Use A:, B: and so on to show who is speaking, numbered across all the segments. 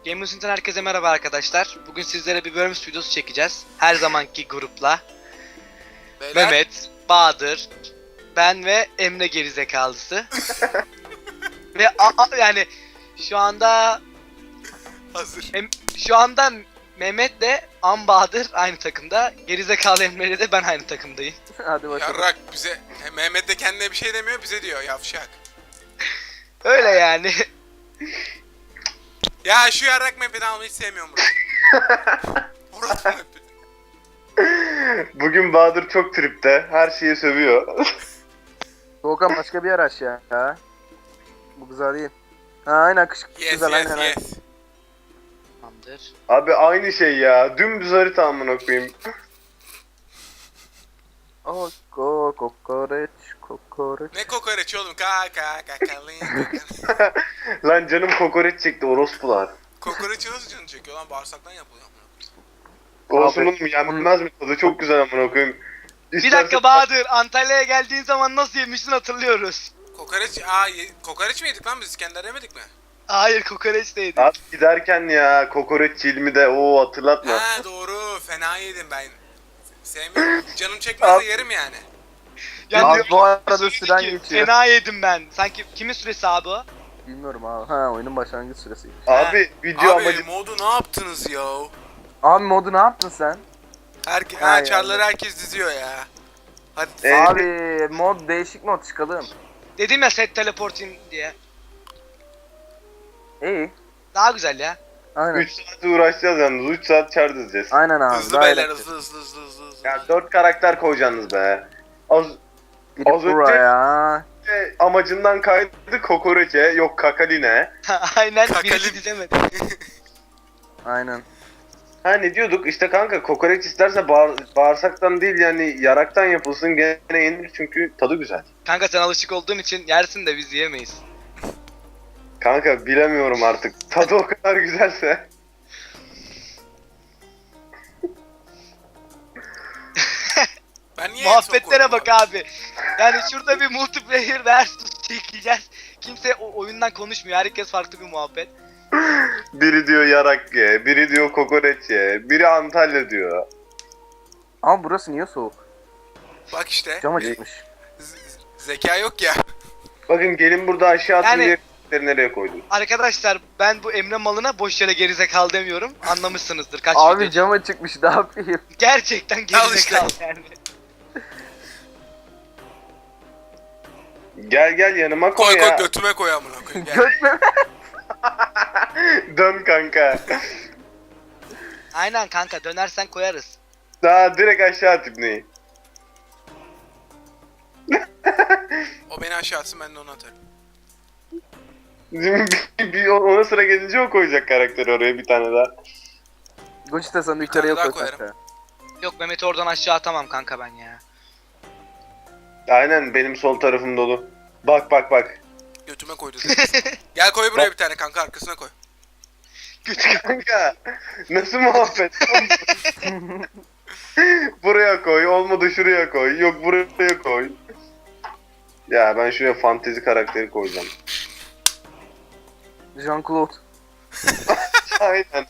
A: Gamers'ın herkese merhaba arkadaşlar. Bugün sizlere bir Worms videosu çekeceğiz. Her zamanki grupla.
B: Beyler,
A: Mehmet, Bahadır, ben ve Emre gerizekalısı. Ve yani şu anda
B: hazır.
A: şu anda Mehmet'le Bahadır aynı takımda. Gerizekalı Emre'yle de ben aynı takımdayım.
C: Hadi bakalım.
B: Yarrak bize, Mehmet de kendine bir şey demiyor, bize diyor yavşak.
A: Öyle yani.
B: Ya şu yarrak map'ini almayı hiç sevmiyorum Murat. Murat map'i.
D: Bugün Bahadır çok tripte. Her şeyi sövüyor.
C: Doğukan başka bir yer aç ya. Ha? Bu güzel değil. Ha aynen kış
B: Yes
C: güzel
B: yes
C: aynen.
B: yes.
A: Tamamdır.
D: Abi aynı şey ya. Dümdüz harita amına koyayım.
C: Kokoreç.
B: Ne kokoreç oğlum? Kakalin.
D: Lan canım kokoreç çekti orospular.
B: Kokoreçi nasıl canı çekiyor lan? Bağırsaktan yapılıyor amına
D: Olsun
C: Abi,
D: oğlum yenmez mi tadı? Çok güzel amına koyayım.
A: Bir dakika Bahadır, Antalya'ya geldiğin zaman nasıl yemiştin hatırlıyoruz.
B: kokoreç, kokoreç mi yedik lan biz? İskender yemedik mi?
A: Hayır, kokoreç değildi.
D: Abi giderken ya kokoreç ilmi de o hatırlatma.
B: Ha doğru, fena yedim ben. Sevmiyorum. Canım çekmezse yerim yani.
C: Abi bu arada
A: söyledi
C: süren
A: ki,
C: geçiyor.
A: Fena yedim ben. Sanki kimin süresi abi o?
C: Bilmiyorum abi. Ha oyunun başlangıç süresi.
D: Abi video
B: Abi
D: amacı
B: modu ne yaptınız ya?
C: Abi modu ne yaptın sen? Ha,
B: Çarları herkes diziyor ya. Hadi.
C: Abi mod değişik mod çıkalım.
A: Dedim ya set teleporting diye.
C: İyi.
A: Daha güzel ya.
C: Aynen.
D: 3 saat uğraşacağız yalnız. 3 saat çar dizeceğiz.
C: Aynen abi.
B: Hızlı
C: daha
B: beyler,
C: eğlenceli.
B: hızlı.
D: Ya 4 karakter koyacaksınız be. Az
C: Gidip
D: Az önce-
C: buraya.
D: amacından kaydı kokoreçe, yok kakaline.
A: Aynen
B: Kakali-
A: birisi dizemedi.
C: Aynen.
D: Ha ne diyorduk işte kanka kokoreç isterse bağırsaktan değil yani yaraktan yapılsın gene yenir çünkü tadı güzel.
A: Kanka sen alışık olduğun için yersin de biz yiyemeyiz.
D: Kanka bilemiyorum artık tadı o kadar güzelse.
B: Ben niye
A: Muhabbetlere bak abi. Yani şurada bir multiplayer ders çekeceğiz. Kimse o oyundan konuşmuyor. Herkes farklı bir muhabbet.
D: Biri diyor yarak ye, biri diyor kokoreç ye, biri Antalya diyor.
C: Ama burası niye soğuk?
B: Bak işte.
C: Cam açıkmış.
B: Zeka yok ya.
D: Bakın gelin burada aşağı atın
A: Yani-
D: diye nereye koydum.
A: Arkadaşlar ben bu Emre malına boş yere gerizekalı demiyorum. Anlamışsınızdır kaç
C: Abi
A: video.
C: cam açıkmış ne yapayım?
A: Gerçekten gerizekalı
B: işte.
A: yani.
D: Gel yanıma koy,
B: Koy
D: ya.
B: götüme koy amına koyayım. Gel.
C: Götme.
D: Dön kanka.
A: Aynen kanka dönersen koyarız.
D: Daha direkt aşağı at ibneyi.
B: O beni aşağı atsın, ben de onu atarım.
D: Ona sıra gelince o koyacak karakteri oraya bir tane daha.
C: Gocita sen
B: Bir
C: yukarıya
B: tane daha
C: koy
B: koyarım.
C: kanka.
A: Yok Mehmet'i oradan aşağı atamam kanka ben ya.
D: Aynen benim sol tarafım dolu. Bak.
B: Götüme koydu. Gel koy buraya bir tane kanka, arkasına koy.
D: Kanka nasıl muhabbet? Buraya koy, olmadı şuraya koy, yok buraya koy. Ya ben şuraya fantezi karakteri koyacağım.
C: Jean-Claude.
D: Aynen.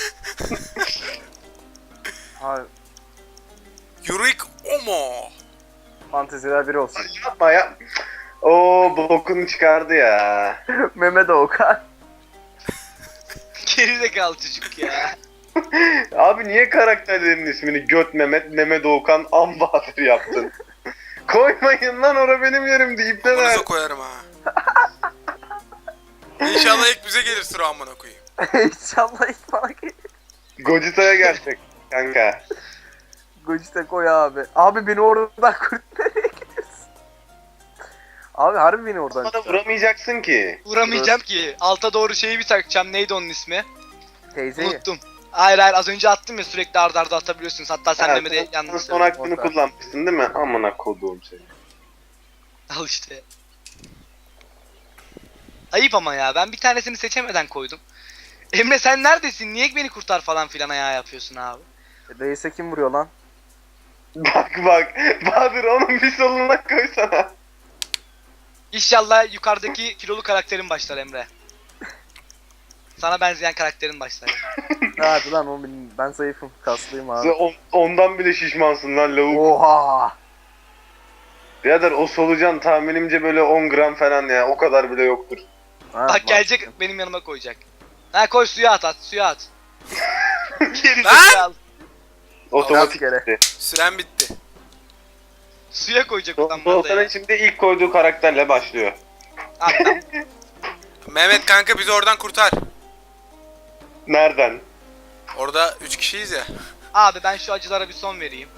C: Abi
B: Yurik Omo.
C: fanteziler biri olsun.
D: Yapma ya. Oo bokunu çıkardı ya.
C: Mehmet Okan.
A: Gerizekalı çocuk ya.
D: Abi niye karakterlerin ismini Göt Mehmet, Mehmet Doğukan, Ambahadır yaptın? Koymayın lan ora benim yerimdi ipneler.
B: Amanıza koyarım ha. İnşallah ilk bize gelir sıra amına koyayım.
C: İnşallah ilk bana gelir.
D: Gocita'ya gelecek kanka.
C: Gocita koy abi. Abi beni oradan kurt nereye gidiyorsun? Abi harbi beni oradan
D: Bana
C: çıkar.
D: vuramayacaksın ki.
A: Vuramayacağım ki. Alta doğru şeyi bir takacağım. Neydi onun ismi?
C: Teyzeyi.
A: Unuttum. Hayır az önce attım ya, sürekli arda arda atabiliyorsunuz. Hatta sen Mehmet'e
D: sen
A: yanlış
D: son
A: söyledin.
D: hakkını
C: Orta.
D: kullanmışsın değil mi? Amına koduğum seni.
A: Al işte. Ayıp ama ya, ben bir tanesini seçemeden koydum. Emre sen neredesin? Niye beni kurtar falan filan ayağı yapıyorsun abi?
C: Reis'e kim vuruyor lan?
D: Bak. Bahadır onun bir soluna koysana.
A: İnşallah yukarıdaki kilolu karakterin başlar Emre. Sana benzeyen karakterin başlar.
C: Hadi lan o ben zayıfım. Kaslıyım abi.
D: Sen ondan bile şişmansın lan lavuk.
C: Oha.
D: Birader o solucan tahminimce böyle 10 gram falan ya. O kadar bile yoktur.
C: Ha,
A: Bak gelecek benim yanıma koyacak. Ha koy suya at suya at. Geri
B: Lan!
A: zekalı.
D: Otomatik
C: Rastgele.
D: gitti.
B: Süren bitti.
A: Suya koyacak ulan bana
D: Doğukan'ın
A: ya.
D: şimdi ilk koyduğu karakterle başlıyor.
A: Abi, tamam.
B: Mehmet kanka bizi oradan kurtar.
D: Nereden?
B: Orada 3 kişiyiz ya.
A: Abi ben şu acılara bir son vereyim.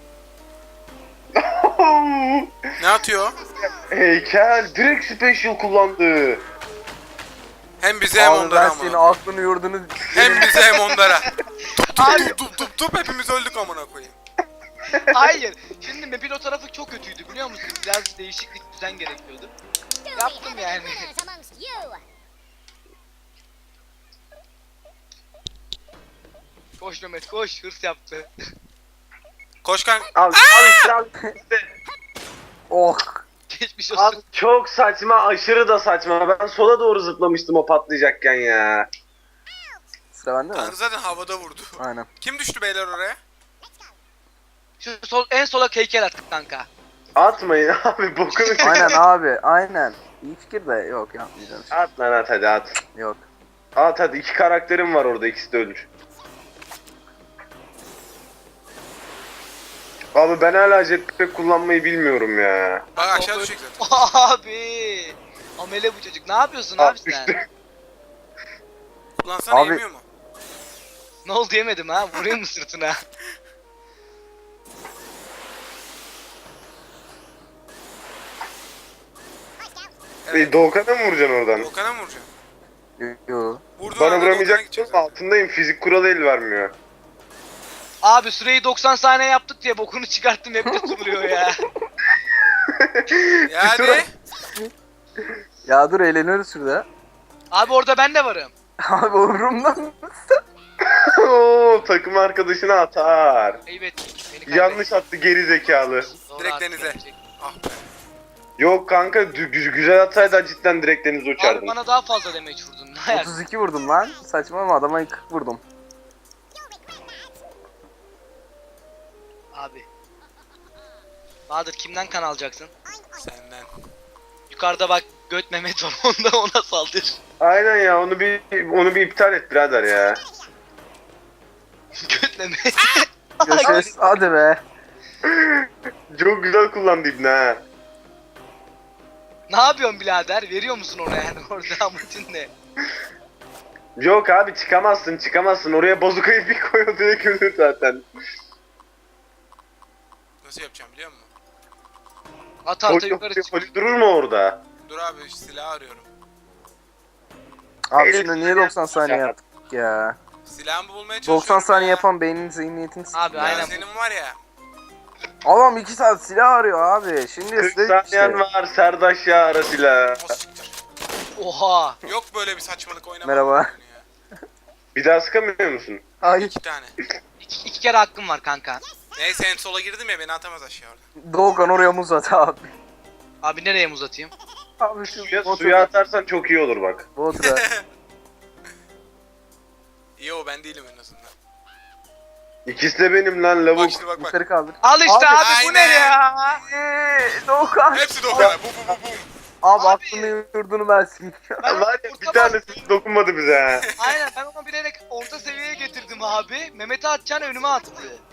B: Ne atıyor?
D: Heykel direkt special kullandı.
B: Hem bize hem
C: Abi
B: onlara
C: ben senin
B: ama.
C: aklını yurdunu...
B: Hem bize hem onlara.
A: Abi
B: Tup hepimiz öldük amına koyayım.
A: hayır. Şimdi map'in o tarafı çok kötüydü biliyor musun? Biraz değişiklik düzen gerekiyordu. Yaptım yani. Koş Mehmet koş hırs yaptı.
B: Koş kanka.
D: Al işte al işte.
C: Oh.
A: Geçmiş
D: Abi
A: olsun.
D: çok saçma, aşırı da saçma. Ben sola doğru zıplamıştım o patlayacakken ya.
C: Sıra bende mi?
B: Kanka zaten havada vurdu.
C: Aynen.
B: Kim düştü beyler oraya?
A: Şu en sola heykel attık kanka.
D: Atmayın abi bokunu.
C: Aynen abi aynen. İyi fikir de yok yapmayacağım.
D: At lan at hadi at.
C: Yok.
D: At hadi iki karakterim var orada ikisi de ölür. Abi ben hala jetpack kullanmayı bilmiyorum ya.
B: Bak aşağı düşecek zaten.
A: Abi. Amele bu çocuk. Ne yapıyorsun abi sen?
D: düştü.
B: Kullansana
C: Abi-
B: yemiyor mu?
A: Ne oldu yemedim ha? Vurayım mı sırtına?
D: Doğukan'a mı vuracaksın oradan?
B: Volkan'a mı vuracaksın?
C: Yok.
B: Vurduğun
D: Bana
B: anda Volkan'a
D: vuramayacak
B: gidecek
D: mısın?
B: zaten.
D: Altındayım. Fizik kuralı el vermiyor.
A: Abi süreyi 90 saniye yaptık diye bokunu çıkarttım hep de tutuluyor ya.
B: Yani
C: Ya dur eğleniyoruz şurada.
A: Abi orada ben de varım.
C: Abi umurumdan.
D: Oo, takım arkadaşına atar.
A: Ayıp ettik. Beni kaybettik.
D: Yanlış attı geri zekalı.
A: Doğru
B: direkt
A: artık
B: denize.
A: gelecek.
B: Ah be.
D: Yok kanka güzel atsaydı cidden direkt denize
A: Abi
D: uçardın.
A: bana daha fazla damage vurdun. Ne ayak?
C: 32 vurdum lan. Saçmalama adama 40 vurdum.
A: Abi. Bahadır kimden kan alacaksın?
B: Senden.
A: Yukarıda bak göt Mehmet var onda ona saldır.
D: Aynen ya onu bir iptal et birader ya.
A: Göt Mehmet.
C: Görüşürüz. Hadi be.
D: Çok güzel kullandı İbni ha.
A: Ne yapıyorsun birader? Veriyor musun ona yani orada amacın ne?
D: Yok abi çıkamazsın. Oraya bazukayı bir koy o direkt ölür zaten.
B: Nasıl yapacağım biliyor musun?
A: Ata ata yukarı çık.
D: Poli durur mu orada?
B: Dur abi silah arıyorum.
C: Abi
D: Evet.
C: şimdi niye 90 saniye yaptık ya?
B: Silahımı bulmaya çalışıyorum.
C: 90 saniye
B: ya.
C: yapan beynin zihniyetini s***.
A: Abi
B: Ya
A: aynen.
B: senin var ya.
C: Adam 2 saat silah arıyor abi. Şimdi
D: 40
C: size
D: saniyen
C: işte.
D: var Serdaş ya arasıyla.
B: O siktir.
A: Oha.
B: Yok böyle bir saçmalık oynama.
C: Merhaba.
B: Ya.
D: Bir daha sıkamıyor musun?
C: Ay
B: 2 tane.
A: İki kere hakkım var kanka.
B: Neyse en sola girdim ya beni atamaz aşağı orada.
C: Doğukan oraya muz at abi.
A: Abi nereye muz atayım?
C: Abi şu
D: Suya
C: botura.
D: atarsan çok iyi olur bak.
C: Botura.
B: İyi o ben değilim en azından.
D: İkisi de benim lan lavuk.
B: Bak şimdi bak.
C: Yukarı kaldır.
A: Al işte
C: Abi,
A: abi, bu ne
B: aynen.
A: ya?
C: Doğukan.
B: Hepsi Doğukan'a. Bu.
C: Abi
A: Abi.
C: aklını yurdunu versin.
A: Ben
D: Var ya bir
A: orta
D: tanesi dokunmadı bize ha.
A: Aynen ben onu bilerek orta seviyeye getirdim abi. Mehmet'i atacağını önüme attı.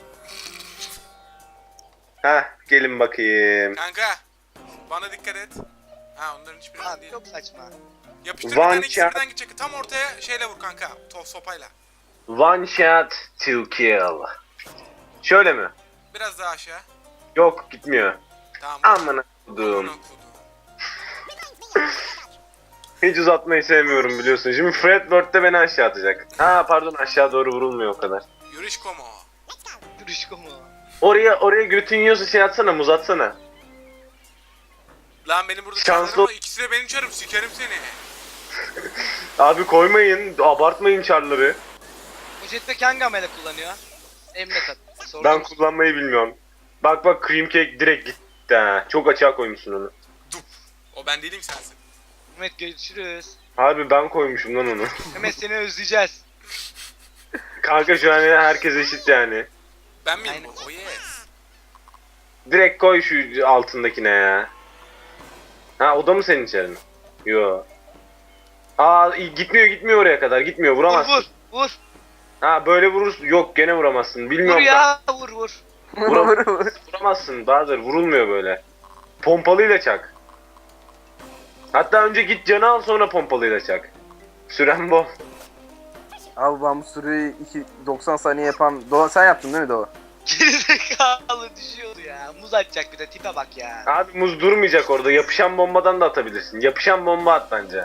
D: Heh gelin bakayım.
B: Kanka. Bana dikkat et. Ha onların hiçbirinden
A: Abi
B: değil.
A: çok saçma.
B: Yapıştır bir
D: One
B: tane ikisi
D: shot.
B: birden gidecek. Tam ortaya şeyle vur kanka. Sopayla.
D: One shot to kill. Şöyle mi?
B: Biraz daha aşağı.
D: Yok gitmiyor.
B: Tamam.
D: Amına
B: Amına
D: koduğum.
B: kodum.
D: Hiç uzatmayı sevmiyorum biliyorsun. Şimdi Fred Word beni aşağı atacak. Ha pardon aşağı doğru vurulmuyor o kadar.
B: Yürüyüş komo.
A: Yürüyüşko mu?
D: Oraya götün yiyorsa şey atsana muz atsana.
B: Lan benim burada
D: Şanslı-
B: çarlarım var. İkisi de benim çarım. Sikerim seni.
D: Abi koymayın abartmayın çarları.
A: O jetpack hangi amele kullanıyor? Emre kat. Sorun
D: Ben
A: mu?
D: kullanmayı bilmiyorum. Bak cream cake direkt gitti ha. Çok açığa koymuşsun onu.
B: O ben değilim sensin.
A: Mehmet görüşürüz.
D: Harbi ben koymuşum lan onu.
A: Mehmet seni özleyeceğiz.
D: Kanka şu an herkes eşit yani.
B: Ben miyim
A: Aynen.
B: bu? Oh yes.
D: Direkt koy şu altındakine ya. Ha o da mı senin içerin? Yo. Aa gitmiyor oraya kadar. Gitmiyor
A: Vur
D: vuramazsın.
A: vur vur.
D: Ha böyle vurursun. Yok gene vuramazsın.
A: Vur
D: Bilmiyorum.
A: ya vur vur.
D: Vuramazsın Bahadır. Vurulmuyor böyle. Pompalıyla çak. Hatta önce git canı al sonra pompalıyla çak. Süren bol.
C: Abi ben bu süreyi 90 saniye yapan... Doğa sen yaptın değil mi Doğa?
A: Gerizekalı düşüyordu ya. Muz atacak bir de tipe bak ya.
D: Abi muz durmayacak orada. Yapışan bombadan da atabilirsin. Yapışan bomba at bence.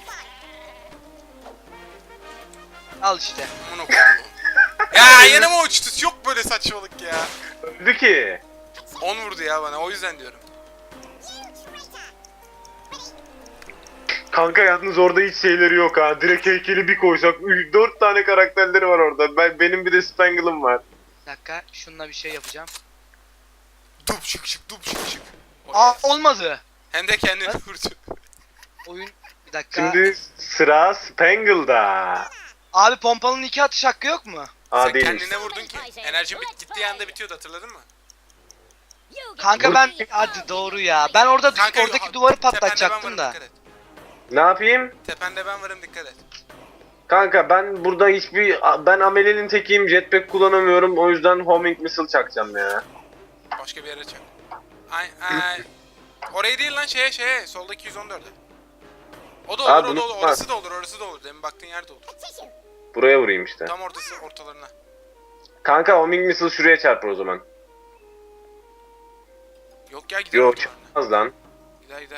A: Al işte.
B: Amına koyayım. Ya yanıma uçtu. Yok böyle saçmalık ya.
D: Öldü ki.
B: 10 vurdu ya bana. O yüzden diyorum.
D: Kanka yalnız orada hiç şeyleri yok ha. Direkt heykeli bir koysak 4 tane karakterleri var orada. Benim bir de Spangle'ım var.
A: Bir dakika şununla bir şey yapacağım.
B: Dup şık şık dup şık şık. Oh
A: Aa
B: yes.
A: olmadı.
B: Hem de kendini vurdu.
A: Oyun bir dakika.
D: Şimdi sıra Spangle'da.
A: Abi pompalının 2 atış hakkı yok mu?
D: Aa
B: Sen
D: değilmiş.
B: kendine vurdun ki. Enerjin gittiği anda bitiyordu, hatırladın mı?
A: Kanka ben hadi doğru ya. Ben orada
B: Kanka,
A: oradaki duvarı
B: tepende ben
A: patlatacaktım
B: varım,
A: da.
B: dikkat et.
D: Ne yapayım?
B: Tepende ben varım, dikkat et.
D: Kanka ben burada ben Amelie'nin tekiyim, jetpack kullanamıyorum, o yüzden homing missile çakacağım ya.
B: Başka bir yere çak. Ay. Orayı değil lan, şeye soldaki 114'e. O da olur,
D: Abi
B: o da olur,
D: bunu-
B: orası da olur, orası da olur. Demin baktığın yer de olur.
D: Buraya vurayım işte.
B: Tam ortası, ortalarına.
D: Kanka homing missile şuraya çarpar o zaman.
B: Yok ya, gider
D: Yok
B: ortalarına.
D: çarpmaz lan.
B: Gider.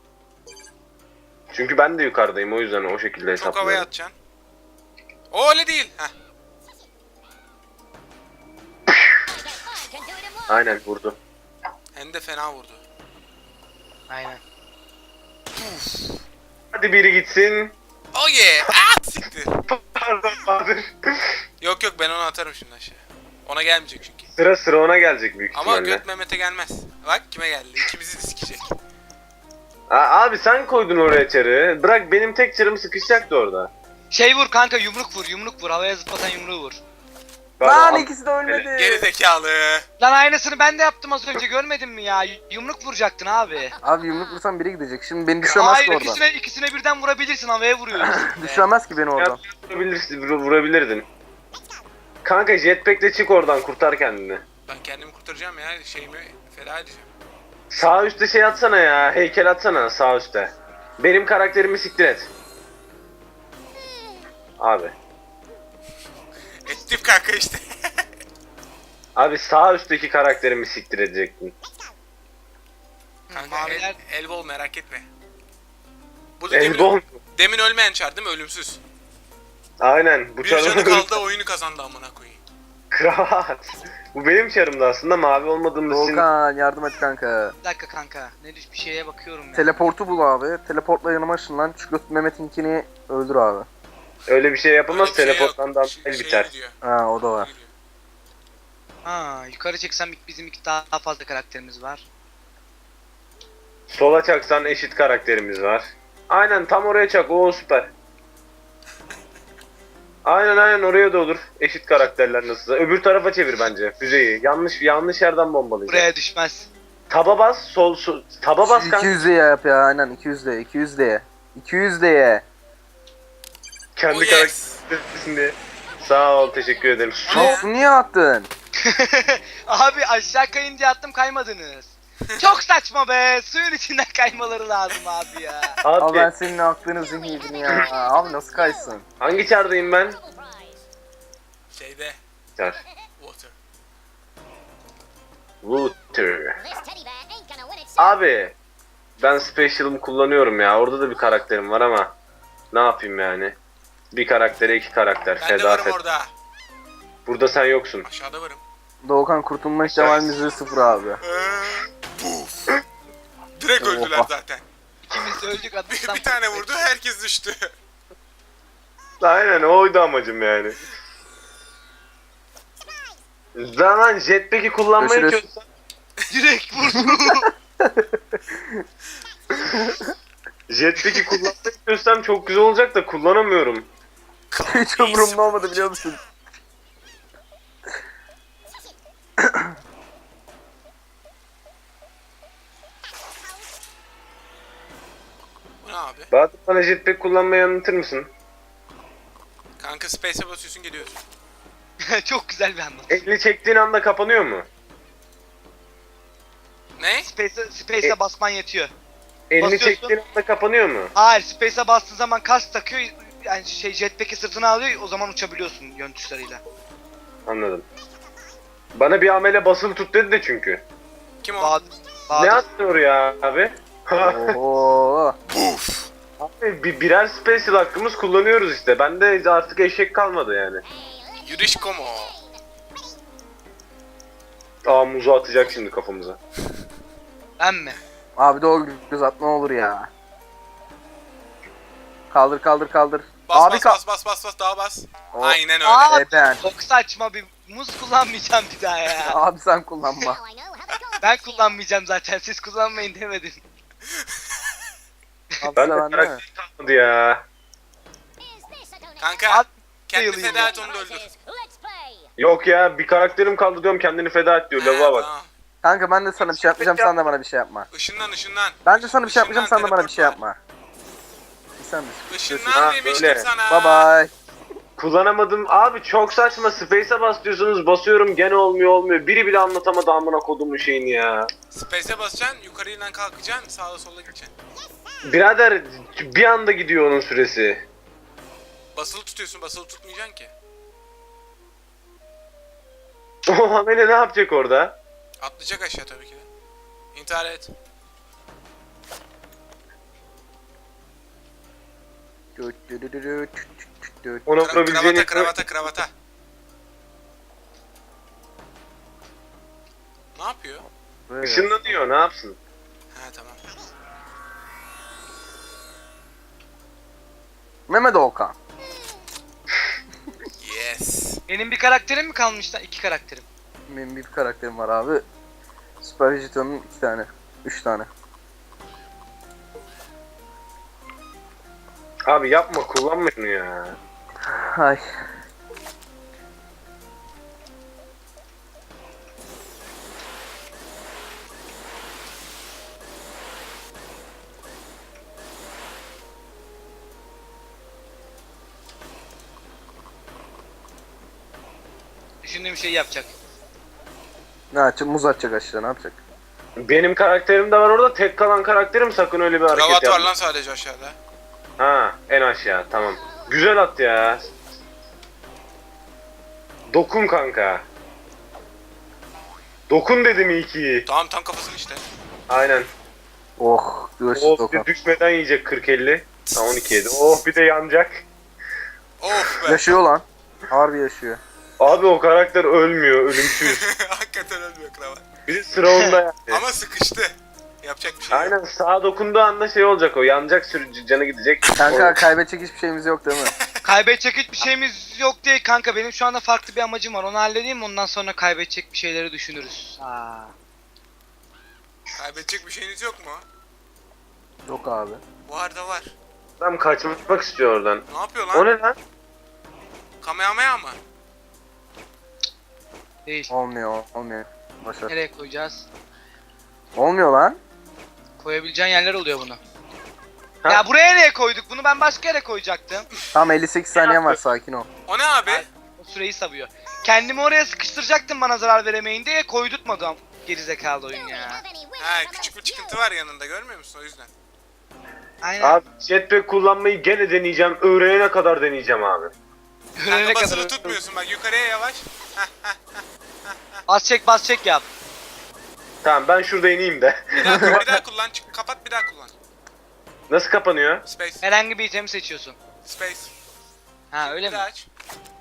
D: Çünkü ben de yukarıdayım, o yüzden o şekilde
B: Çok havaya
D: hesaplıyorum.
B: atacaksın. O öyle değil. Heh.
D: Aynen vurdu.
B: Hem de fena vurdu.
A: Aynen.
D: Hadi biri gitsin.
B: Oh yeah! Ah siktir.
D: Pardon Bahadır.
B: Yok ben onu atarım şimdi aşağı. Ona gelmeyecek çünkü.
D: Sıra ona gelecek büyük
B: Ama
D: ihtimalle.
B: göt Mehmet'e gelmez. Bak kime geldi. İkimizi de sikecek.
D: Abi sen koydun oraya çarı. Bırak benim tek çarım sıkışacaktı orada.
A: Şey vur kanka, yumruk vur. Havaya zıplatan yumruğu vur.
C: Lan ikisi de ölmedi.
B: Geri zekalı.
A: Lan aynısını ben de yaptım az önce, görmedin mi ya? Yumruk vuracaktın abi.
C: Abi yumruk vursam biri gidecek. Şimdi beni düşüremez
A: Hayır
C: ki oradan.
A: ikisine birden vurabilirsin, havaya vuruyoruz.
C: Düşüremez ki beni oradan.
D: Vurabilirdin. Kanka jetpack'le çık oradan, kurtar kendini.
B: Ben kendimi kurtaracağım ya. Şeyimi feda edeceğim.
D: Sağ üstte şey atsana ya, heykel atsana sağ üstte. Benim karakterimi siktir et. Abi.
B: Ettim kanka işte.
D: Abi sağ üstteki karakterimi siktir edecektin.
B: Kanka
A: Maviler
B: elbol, merak etme. Bu da demin,
D: Elbon.
B: demin ölmeyen çar değil mi? Ölümsüz.
D: Aynen. Bu
B: Bir canı
D: çarım
B: kaldı, oyunu kazandı amına koyayım.
D: kravat. Bu benim çarımdı aslında, mavi olmadığımız için.
C: Doğukan yardım et kanka.
A: bir dakika kanka. Ne düş bir şeye bakıyorum ya.
C: Teleportu bul abi. Teleportla yanıma ışınlan. Şu göt Mehmet'inkini öldür abi.
D: Öyle bir şey yapılmaz,
B: Öyle bir şey yok.
D: teleporttan da
B: Şey
D: biter.
B: gidiyor,
C: Ha o da var.
B: gidiyor.
A: Ha yukarı çeksem bizim iki daha fazla karakterimiz var.
D: Sola çaksan eşit karakterimiz var. Aynen tam oraya çak, o süper. Aynen oraya da olur. Eşit karakterler nasılsa. Öbür tarafa çevir bence füzeyi. Yanlış yerden bombalayacak.
A: Buraya düşmez.
D: Taba bas, taba bas kanka.
C: 200 diye yap ya aynen 200 diye 200 diye. 200 diye.
D: Kendi
B: Oh yes.
D: karakterin diye. Sağ ol, teşekkür ederim.
C: Çok niye attın?
A: Abi aşağı kayın diye attım, kaymadınız. Çok saçma be. Suyun içinden kaymaları lazım abi ya.
C: Abi ben
D: Abi
C: senin aklını zihniyedin ya. Abi nasıl kaysın?
D: hangi çardayım ben?
B: Şeyde.
D: Çar.
B: Water.
D: Water. Abi ben special'ımı kullanıyorum ya. Orada da bir karakterim var ama ne yapayım yani? Bir karaktere iki karakter.
B: Ben de
D: Feda
B: varım
D: et.
B: orada.
D: Burada sen yoksun.
B: Aşağıda varım.
C: Doğukan kurtulma ihtimalimiz sıfır abi.
B: Puf. Direkt öldüler
C: Oha.
B: zaten.
A: İkimiz de öldük attıktan.
B: Bir tane vurdu, herkes düştü.
D: Aynen oydu amacım yani. Zaman jetpack'i kullanmayı
C: Görüşürüz.
D: çözsen.
A: Direkt vurdu.
D: Jetpack'i kullanmak istiyorsam çok güzel olacak da kullanamıyorum.
C: Hiç umurumda olmadı biliyor musun?
B: Bu ne abi?
D: Bahadır bana jetpack kullanmayı anlatır mısın?
B: Kanka space'e basıyorsun geliyorsun.
A: Çok güzel bir anlatım.
D: Elini çektiğin anda kapanıyor mu?
B: Ne?
A: Space'e basman yetiyor.
D: Elini
A: Basıyorsun.
D: çektiğin anda kapanıyor mu?
A: Hayır, Space'e bastığın zaman kask takıyor. Yani jetpack'i sırtına alıyor, o zaman uçabiliyorsun yön tuşlarıyla.
D: Anladım. Bana bir amele basılı tut dedi de çünkü.
B: Kim o?
A: Bahadır.
D: Ne
A: Bahadır.
D: atıyor ya abi?
C: Oo.
B: Buf.
D: Abi birer special hakkımız kullanıyoruz işte. Bende artık eşek kalmadı yani.
B: Yürüyüş komo.
D: Aa muzu atacak şimdi kafamıza.
A: Ben mi?
C: Abi doğru göz at ne olur ya. Kaldır kaldır kaldır.
B: Bas
C: Abi
B: bas daha bas.
C: O-
B: Aynen öyle.
A: Aa!
C: Ben.
A: Çok saçma bir muz kullanmayacağım bir daha ya.
C: Abi sen kullanma.
A: Ben kullanmayacağım zaten, siz kullanmayın demedim.
C: Abi
D: Ben de
C: sen ne?
D: karakter kalmadı ya.
B: Kanka
A: At
B: kendini
A: yılayım
B: feda
A: ya.
B: et onu da öldür.
D: Yok ya bir karakterim kaldı diyorum kendini feda et diyor. Lavuğa bak.
B: Tamam.
C: Kanka ben de sana bir şey yapmayacağım sen de bana bir şey yapma.
B: Işınlan.
C: Ben de sana bir şey yapmayacağım sen de bana bir şey
B: teleport var.
C: yapma. Sen de.
B: Işınlan
D: Ha,
B: demiştim
D: öyle.
B: sana.
C: Bye bye.
D: Kullanamadım. Abi çok saçma. Space'e bas diyorsunuz. Basıyorum gene olmuyor. Biri bile anlatamadı amına kodumun şeyini ya.
B: Space'e basacaksın, yukarıyla kalkacaksın, sağda sola gideceksin.
D: Birader bir anda gidiyor onun süresi.
B: Basılı tutuyorsun, basılı tutmayacaksın ki.
D: O amele ne yapacak orada?
B: Atlayacak aşağı tabii ki de. İntihar et.
D: Ona vurabileceğini...
B: Kravata. Ne yapıyor?
D: Işınlanıyor ne yapsın?
B: Ha tamam.
C: Mehmet Okan.
B: Yes.
A: Benim bir karakterim mi kalmış lan? 2 karakterim.
C: Benim bir karakterim var abi. Süper Vegeton'un 2 tane. 3 tane.
D: Abi yapma kullanma şunu ya.
C: Ay.
A: Düşündüğüm şeyi yapacak.
C: Ne yapacak? Muz atacak aşağı ne yapacak?
D: Benim karakterim de var orada. Tek kalan karakterim sakın öyle bir hareket
B: Kravat var
D: yapma.
B: lan sadece aşağıda.
D: Ha en aşağı tamam. Güzel at ya. Dokun kanka. Dokun dedim iyi ki.
B: Tamam tam kafasını işte.
D: Aynen.
C: Oh. Görüşürüz
D: Oh bir
C: Okan.
D: de düşmeden yiyecek 40-50. Ha 12 yedi. Oh bir de yanacak.
B: Of be.
C: Yaşıyor lan. Harbi yaşıyor.
D: Abi o karakter ölmüyor. Ölümsüz.
B: Hakikaten ölmüyor kravat.
D: Bir de sıra onda yani.
B: Ama sıkıştı. Yapacak bir şey yok.
D: Aynen sağa dokunduğu anda şey olacak o. Yanacak sürücü canı gidecek.
C: Kanka kaybedecek hiçbir şeyimiz yok değil mi?
A: Kaybedecek hiçbir şeyimiz yok değil kanka. Benim şu anda farklı bir amacım var. Onu halledeyim, ondan sonra kaybedecek bir şeyleri düşünürüz. Aa.
B: Kaybedecek bir şeyiniz yok mu?
C: Yok abi.
B: Var da var.
D: Adam kaçmak istiyor oradan.
B: Ne yapıyor
D: O
B: lan?
D: ne lan?
B: Kamehameha mı?
A: Değil.
C: Olmuyor. Başar.
A: Nereye koyacağız?
C: Olmuyor lan.
A: Koyabileceğin yerler oluyor bunu.
D: Ha?
A: Ya buraya nereye koyduk? Bunu ben başka yere koyacaktım.
C: Tam 58 saniyen var sakin ol.
B: O ne abi?
A: O süreyi savuyor. Kendimi oraya sıkıştıracaktım bana zarar veremeyin diye, koydurtmadım. Gerizekalı oyun ya.
B: Ha küçük bir çıkıntı var yanında görmüyor musun o yüzden?
A: Aynen.
D: Abi jetpack kullanmayı gene deneyeceğim. Öğrenene kadar deneyeceğim abi.
A: Ölene
B: Kanka
A: kadar.
B: basılı tutmuyorsun bak yukarıya yavaş.
A: Bas çek yap.
D: Tamam ben şurada ineyim de.
B: Bir daha kullan çık kapat bir daha kullan.
D: Nasıl kapanıyor?
B: Space.
A: Herhangi bir itemi seçiyorsun.
B: Space.
A: Ha öyle
B: Bir
A: mi?
B: daha aç.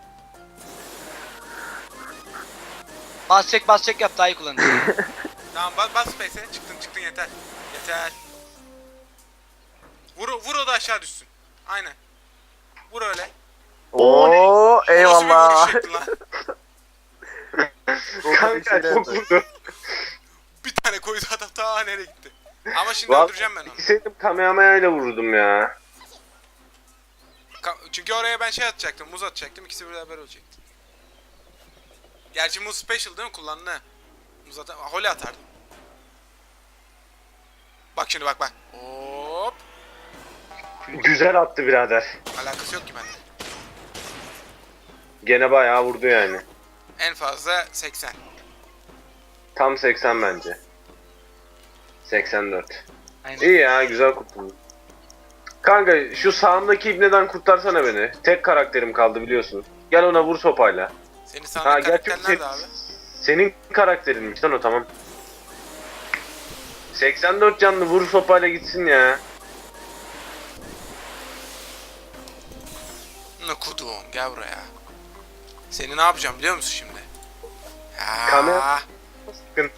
A: Bas çek yap, daha iyi kullanırsın.
B: Tamam bas space'e çıktın yeter. Yeter. Vur o da aşağı düşsün. Aynen. Vur öyle.
C: Oo
B: Nasıl bir
C: eyvallah.
B: vuruş şekli lan?
D: Kanka çok vurdu.
B: Bir tane koydu adam ta nereye gitti. Ama şimdi
D: Vallahi
B: öldüreceğim ben onu.
D: gitseydim Kamehameha ile vururdum ya.
B: Çünkü oraya ben şey atacaktım, muz atacaktım, ikisi beraber ölecekti. Gerçi muz special değil mi? Kullandı. Muz Holy atardım. Bak şimdi bak. Hop.
D: Güzel attı birader.
B: Alakası yok ki bende.
D: Gene bayağı vurdu yani.
B: En fazla 80.
D: Tam 80 bence. 84.
A: Aynen.
D: İyi ya, güzel kurtuldum. Kanka şu sağımdaki ibneden kurtarsana beni. Tek karakterim kaldı biliyorsun. Gel ona vur sopayla.
B: Senin
D: Ha
B: sağındaki
D: gerçi
B: karakter nerede abi?
D: senin karakterinmiş lan o, tamam. 84 canlı, vur sopayla gitsin ya.
B: Ne kudum, gel buraya. Seni ne yapacağım biliyor musun şimdi? Ya.
D: Kamera- Sıkın.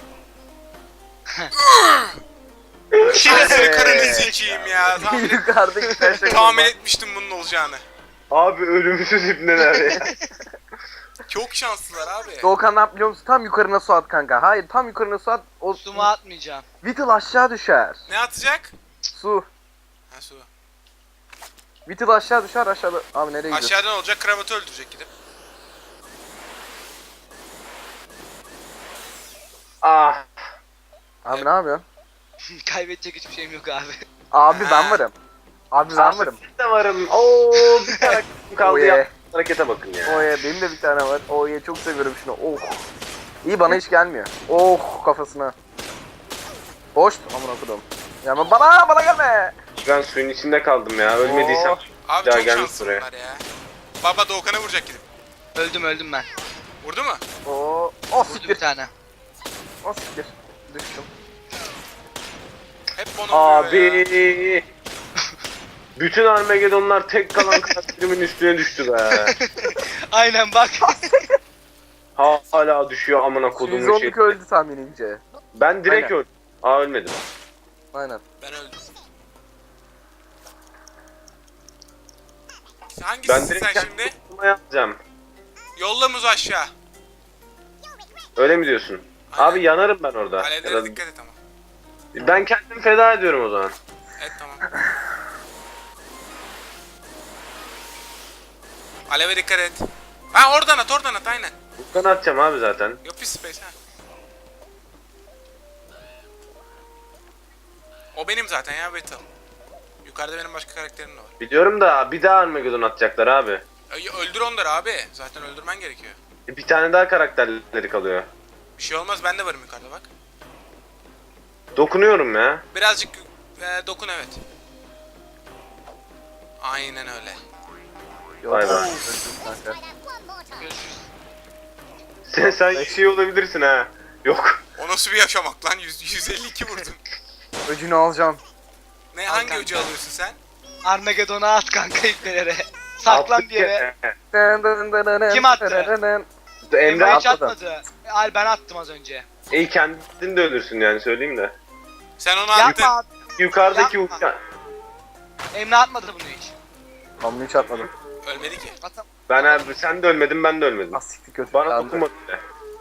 B: Şinesini karını sikeyim ya.
C: Yukarıdaki taşa
B: Tahmin etmiştim bunun olacağını.
D: Abi ölümsüz ibneler ya.
B: Çok şanslılar abi.
C: Doğukan ne yap biliyor musun? Tam yukarına su at kanka. Hayır, tam yukarına su at. O
A: Suma atmayacağım.
C: Whittle aşağı düşer.
B: Ne atacak?
C: Su.
B: Ha su.
C: Whittle aşağı düşer, aşağıda. Abi nereye gidiyorsun?
B: Aşağıdan olacak, kravatı öldürecek gidip.
D: Ah.
C: Abi ne yapıyorsun?
A: Kaybedecek hiçbir şeyim yok abi.
C: Abi ben
B: Ha.
C: varım. Abi ben varım.
D: Ben de varım. Oo, bir karakterim kaldı
C: Oye.
D: ya. Harekete bakın ya.
C: Oye benim de bir tane var. Oye çok seviyorum şunu. Oh. İyi, bana hiç gelmiyor. Oh, kafasına. Boş. Amına kodum. Ya ama bana gelme.
D: Ben suyun içinde kaldım ya. Ölmediysem.
C: Oh.
B: Abi
D: Daha
B: çok
D: gelmiş
B: şanslılar ya. Baba Doğukan'a vuracak gidip.
A: Öldüm ben.
B: Vurdu mu?
C: Oh. Oh
A: Vurdu bir
C: siktir.
A: tane.
C: Oh siktir. Düştüm.
B: Hep bana vuruyor ya.
D: Abi. Bütün Armageddonlar tek kalan karakterimin üstüne düştü be.
A: Aynen bak.
D: Hala düşüyor amına kodumun şey.
C: 112 öldü tahminince.
D: Ben direkt
C: Aynen.
D: öldüm. Aa, ölmedim.
C: Aynen.
B: Ben öldüm.
D: Ben
B: Hangisisin
D: direkt
B: sen
D: kendi
B: şimdi?
D: kurtulma yapacağım.
B: Yolla muzu aşağı.
D: Öyle mi diyorsun?
B: Aynen.
D: Abi yanarım ben orada. Ya
B: Alevlere
D: da-
B: dikkat et ama.
D: Ben kendimi feda ediyorum o zaman.
B: Evet tamam. Aleve dikkat et. Ha oradan at aynen.
D: Buradan atacağım abi zaten.
B: Yok bir space ha. O benim zaten ya Battle. Yukarıda benim başka karakterim de var.
D: Biliyorum da bir daha Armageddon atacaklar abi.
B: Öldür onları abi. Zaten öldürmen gerekiyor.
D: Bir tane daha karakterleri kalıyor.
B: Bir şey olmaz, ben de varım yukarıda bak.
D: Dokunuyorum ya.
B: Birazcık dokun evet. Aynen öyle.
C: Yok.
D: Vay be.
C: Öldüm kanka.
A: Görüşürüz.
D: Sen şey olabilirsin ha. Yok.
B: O nasıl bir yaşamak lan? 152 vurdun.
C: Öcünü alacağım.
B: Ne
A: Al
B: hangi
A: kanka.
B: ucu alıyorsun sen?
A: Armageddon'a at kanka ipnelere. Saklan bir yere. Kim attı?
D: Emre
A: Emre hiç
C: atmadı.
A: atmadı. Al ben attım az önce.
D: İyi, kendin de ölürsün yani, söyleyeyim de.
B: Sen onu attın.
A: Yapma abi.
D: Yukarıdaki
A: Yapma.
D: uçan.
A: Emre atmadı bunu hiç.
C: Ben bunu hiç atmadım.
B: Ölmedi ki.
A: Atam.
D: Ben abi, sen de ölmedin, ben de ölmedim.
C: Asikti kötü.
D: Bana
C: kaldı.
D: dokunmadı bile.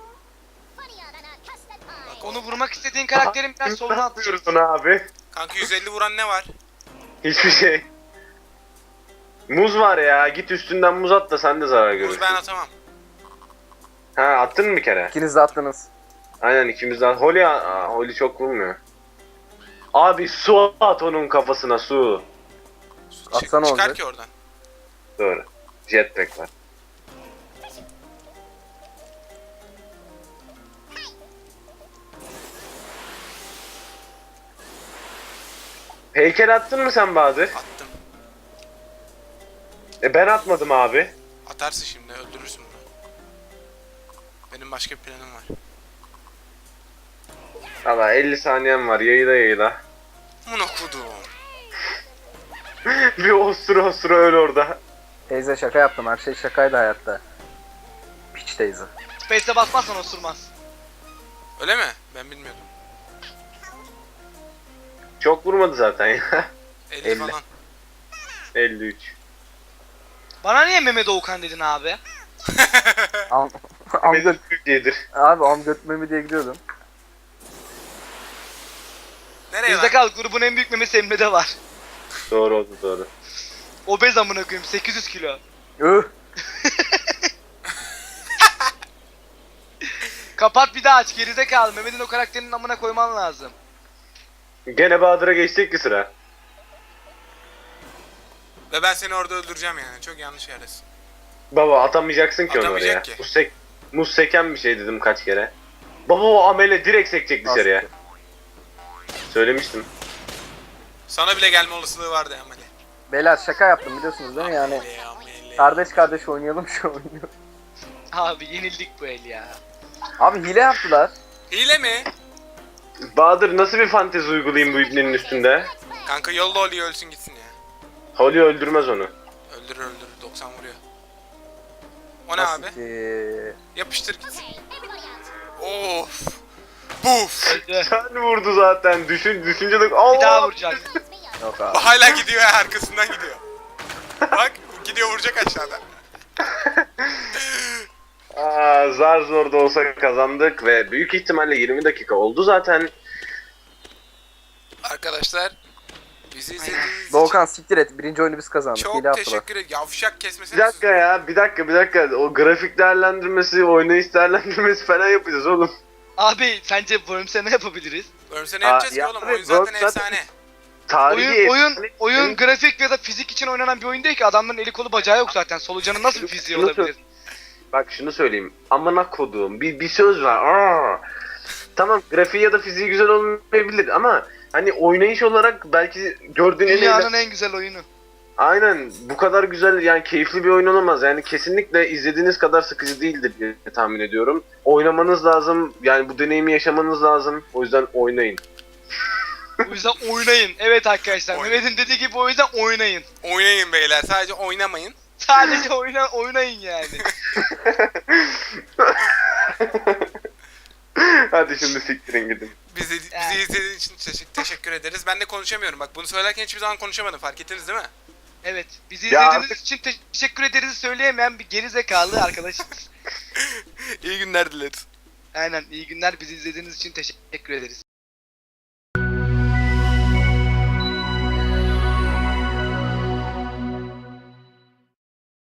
A: Onu vurmak istediğin karakterin biraz soluna
D: Ne
A: atacak.
D: yapıyoruz ona abi?
B: Kanka 150 vuran ne var?
D: Hiçbir şey. Muz var ya, git üstünden muz at da sen de zarar
B: Muz
D: görürsün.
B: ben atamam.
D: Ha, attın mı bir kere?
C: İkiniz de attınız.
D: Aynen, ikimizden. Holly çok vurmuyor. Abi su at onun kafasına, su.
C: Atsana
B: Çıkar
C: olacak.
B: ki oradan.
D: Doğru. Jetpack var. Heykel attın mı sen Bahadır?
B: Attım.
D: Ben atmadım abi.
B: Atarsın şimdi öldürürsün bunu. Benim başka bir planım var.
D: Valla 50 saniyem var, yayla.
B: Bunu okudum.
D: Bir ostura öl orada.
C: Teyze şaka yaptım. Her şey şakaydı hayatta. Piç teyze.
A: Space'e basmazsan osurmaz.
B: Öyle mi? Ben bilmiyordum.
D: Çok vurmadı zaten ya.
B: 50,
C: 50.
B: falan.
D: 53.
A: Bana niye Mehmet Doğukan dedin abi?
C: Am göt.
D: Türkiye'dir.
C: Abi am götmemi diye gidiyordum.
B: Nereye lan?
A: Gerizekalı grubun en büyük memesi Emre'de var.
D: Doğru oldu doğru.
A: Obez amına koyayım 800 kilo.
C: Üh.
A: Kapat bir daha aç gerizekalı. Mehmet'in o karakterinin amına koyman lazım.
D: Gene Bahadır'a geçecek ki sıra.
B: Ve ben seni orada öldüreceğim yani. Çok yanlış yerdesin.
D: Baba atamayacaksın ki onu
B: Atamayacak
D: oraya.
B: ki.
D: Muz seken bir şey dedim kaç kere. Baba o amele direkt sekecek dışarıya. Söylemiştim.
B: Sana bile gelme olasılığı vardı Ameli.
C: Beyler şaka yaptım biliyorsunuz değil mi yani?
B: Ameli.
C: Kardeş kardeş oynayalım şu oyunu.
A: Abi yenildik bu el ya.
C: Abi hile yaptılar.
B: Hile mi?
D: Bahadır nasıl bir fantezi uygulayayım bu ibnenin üstünde?
B: Kanka yolla Holly'yi ölsün gitsin ya.
D: Holly öldürmez onu.
B: Öldürür 90 vuruyor. O ne abi?
C: ki?
B: Yapıştır gitsin. Of. Buf.
A: Öldü.
D: Sen vurdu zaten. Düşüncelik.
A: Bir daha
D: Allah.
A: vuracak.
C: Yok abi.
B: Hala gidiyor ya arkasından gidiyor. Bak gidiyor vuracak aşağıda.
D: Zar zor da olsa kazandık ve büyük ihtimalle 20 dakika oldu zaten.
B: Arkadaşlar bizi izlediğiniz için
C: Doğukan siktir et. Birinci oyunu biz kazandık.
B: çok
C: hile yaptılar.
B: teşekkür ederim. Yavşak
D: Bir
B: kesmesene.
D: dakika ya, bir dakika. O grafik değerlendirmesi, oynayış değerlendirmesi falan yapacağız oğlum.
A: Abi sence Worms'e ne yapabiliriz?
B: Ölmse ne yapacağız ki
D: ya
B: oğlum?
D: abi,
B: Oyun zaten
D: Worms zaten-
B: efsane.
D: Tarihi
A: Oyun grafik ya da fizik için oynanan bir oyun değil ki. Adamların eli kolu bacağı yok zaten. Solucanın nasıl bir fiziği
D: Şunu
A: olabilir?
D: Bak şunu söyleyeyim. Amına koduğum bir söz var. Tamam grafiği ya da fiziği güzel olmayabilir ama hani oynayış olarak belki gördüğün en
A: Dünyanın en güzel oyunu.
D: Aynen bu kadar güzel yani keyifli bir oyun olamaz. Yani kesinlikle izlediğiniz kadar sıkıcı değildir diye tahmin ediyorum. Oynamanız lazım. Yani bu deneyimi yaşamanız lazım. O yüzden oynayın.
A: O yüzden oynayın. Evet arkadaşlar.
B: Oyn-
A: Mehmet'in dediği gibi o yüzden oynayın.
B: Oynayın beyler. Sadece oynamayın.
A: Sadece oynayın yani.
D: Hadi şimdi siktirin gidin.
B: Bizi izlediğiniz için teşekkür ederiz. Ben de konuşamıyorum. Bak bunu söylerken hiçbir zaman konuşamadım. Fark ettiniz değil mi?
A: Evet. Bizi
D: Ya
A: izlediğiniz
D: artık-
A: için teşekkür ederiz söyleyemeyen bir geri zekalı arkadaşımız.
B: İyi günler dileriz.
A: Aynen. İyi günler. Bizi izlediğiniz için teşekkür ederiz.